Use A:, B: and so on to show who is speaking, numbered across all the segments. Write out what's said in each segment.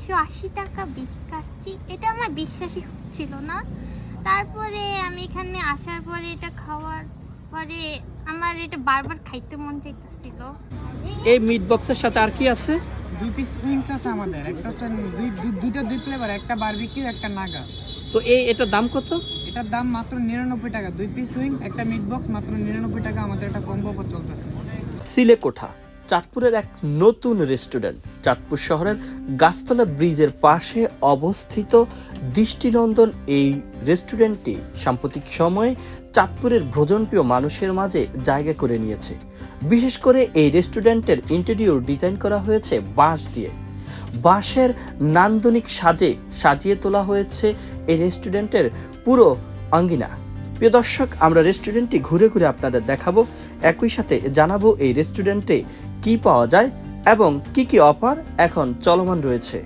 A: 180 টাকা বিফ কাচ্চি, এটা আমার বিশ্বাসই হচ্ছিল না। তারপরে আমি এখানে আসার পরে এটা খাওয়ার পরে আমার এটা বারবার খাইতে মন চাইতেছিল।
B: এই মিট বক্সের সাথে আর কি আছে?
C: 2 পিস উইংস আছে আমাদের, একটা হচ্ছে দুই ফ্লেভার, একটা বারবিকিউ একটা নাগা।
B: তো এটার দাম কত?
C: এটার দাম মাত্র 99 টাকা। 2 পিস উইংস একটা মিট বক্স মাত্র 99 টাকা। আমাদের একটা কম্বো অফার চলতেছে।
B: সিলেকোঠা চাঁদপুরের এক নতুন রেস্টুরেন্ট। চাঁদপুর শহরের গাছতলা ব্রিজের পাশে অবস্থিত দৃষ্টিনন্দন এই রেস্টুরেন্টটি সাম্প্রতিক সময়ে চাঁদপুরের ভোজনপ্রিয় মানুষের মাঝে জায়গা করে নিয়েছে। বিশেষ করে এই রেস্টুরেন্টের ইন্টেরিয়র ডিজাইন করা হয়েছে বাঁশ দিয়ে। বাঁশের নান্দনিক সাজে সাজিয়ে তোলা হয়েছে এই রেস্টুরেন্টের পুরো আঙ্গিনা। প্রিয় দর্শক, আমরা রেস্টুরেন্টটি ঘুরে ঘুরে আপনাদের দেখাবো, একই সাথে জানাবো এই রেস্টুরেন্টে কি পাওয়া যায় এবং কি কি অফার এখন চলমান রয়েছে।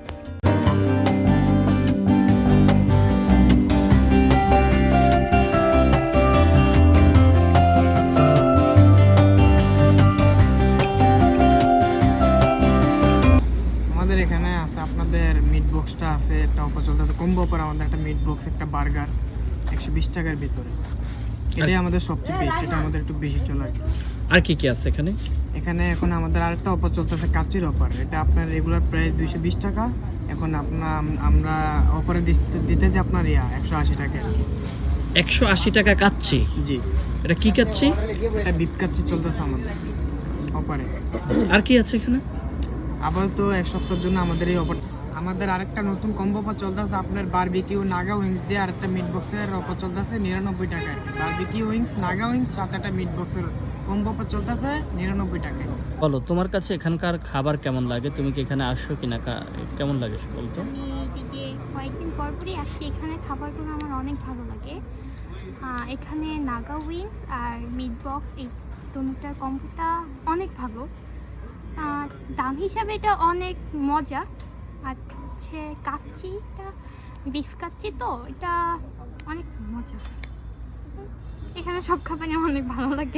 C: আমাদের এখানে আছে আপনাদের মিট বক্সটা আছে, একটা অফার চলতেছে কম্বো অফার। আমাদের একটা মিট বক্স একটা বার্গার 120 টাকার ভিতরে। এটাই আমাদের সবচেয়ে বেস্ট, এটা আমাদের একটু বেশি চলে আর কি।
B: আর কি কি আছে এখানে?
C: এখানে এখন আমাদের আরেকটা অফার চলতেছে কাচ্চির অফার। এটা আপনার রেগুলার প্রাইস 220 টাকা, এখন আমরা অফারে দিতে যে আপনার 180 টাকা আর কি।
B: 180 টাকা কাচ্চি?
C: জি,
B: এটা কি কাচ্চি?
C: এটা বিফ কাচ্চি চলতেছে আমাদের অফারে।
B: আর কি আছে এখানে?
C: আপাতত এক সপ্তাহের জন্য আমাদের এই অফার। আমাদের আরেকটা নতুন কম্বো অফার চলতেছে আপনার বারবিকিউ নাগা উইংস দিয়ে আরেকটা মিট বক্সের অফার চলতেছে 99 টাকায়। বারবিকিউ উইংস নাগা উইংস সাথে একটা মিট বক্সের কম্বো অফার চলতেছে 99 টাকায়।
B: বলো, তোমার কাছে এখানকার খাবার কেমন লাগে? তুমি কি এখানে আসছো কিনা, কেমন লাগে বলতো?
A: আমি এদিকে কয়েকদিন পরপরই আসছি, এখানে খাবারগুলো আমার অনেক ভালো লাগে। এখানে নাগা উইংস আর মিট বক্স এই দুটোটার কম্বোটা অনেক ভালো। দাম হিসাবে এটা অনেক মজা। আর হচ্ছে কাচ্চিটা বিফ কাচ্চি, তো এটা অনেক মজা। এখানে সব খাবারই আমার অনেক ভালো লাগে।